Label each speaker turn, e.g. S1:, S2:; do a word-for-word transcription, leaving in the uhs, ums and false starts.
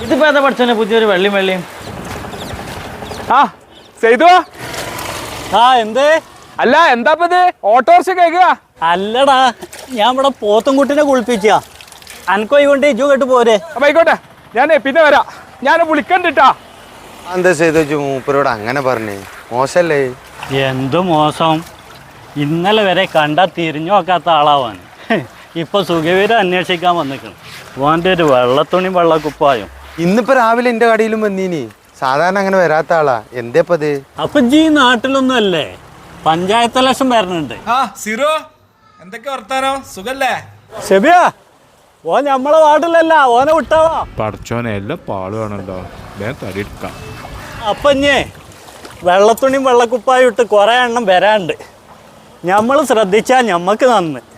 S1: ഇതിപ്പോ ഏതാ പഠിച്ചോനെ പുതിയൊരു വെള്ളിയും വെള്ളിയും?
S2: ആ ചെയ്തു.
S3: ആ എന്തേ?
S2: അല്ല എന്താപ്പത് ഓട്ടോറിക്ഷ കേൾക്കുക?
S3: അല്ലടാ, ഞാൻ ഇവിടെ പോത്തുംകുട്ടിനെ കുളിപ്പിച്ച അനക്കോ കൊണ്ട് ഇജു കേട്ട് പോരെ.
S2: അപ്പൊ ആയിക്കോട്ടെ, ഞാൻ പിന്നെ വരാം. ഞാൻ വിളിക്കണ്ടിട്ടാ.
S4: എന്താ ചെയ്തു മൂപ്പരോട് അങ്ങനെ പറഞ്ഞേ? മോശല്ലേ?
S3: എന്ത് മോശം. ഇന്നലെ വരെ കണ്ടാ തിരിഞ്ഞു നോക്കാത്ത ആളാവാൻ ഇപ്പൊ സുഖവീരം അന്വേഷിക്കാൻ വന്നിക്കണം. ഓൻ്റെ ഒരു വെള്ളത്തുണി വെള്ളക്കുപ്പായും.
S4: ഇന്നിപ്പോ രാവിലെ എന്റെ കടയിലും വന്നീനി. സാധാരണ അങ്ങനെ വരാത്ത ആളാ. എന്തേപ്പത്?
S3: അപ്പൊ ജി നാട്ടിലൊന്നും അല്ലേ? പഞ്ചായത്ത് ഇലക്ഷൻ വരണുണ്ട്.
S5: ആ സിറോ, എന്തൊക്കെ വർത്താനോ? സുഖല്ലേ?
S3: ശബിയാ, ഓൻ നമ്മളെ വാർഡിലല്ല, ഓനെ വിട്ടാവാ.
S6: പഠിച്ചോനെ എല്ലാം പാളുവാണല്ലോ, വേഗം തടിയെടുക്കാം.
S3: അപ്പൊ ഇഞ്ഞേ വെള്ളത്തുണിയും വെള്ളക്കുപ്പായും ഇട്ട് കുറെ എണ്ണം വരാണ്ട്. നമ്മൾ ശ്രദ്ധിച്ചാൽ ഞമ്മക്ക് നന്ന്.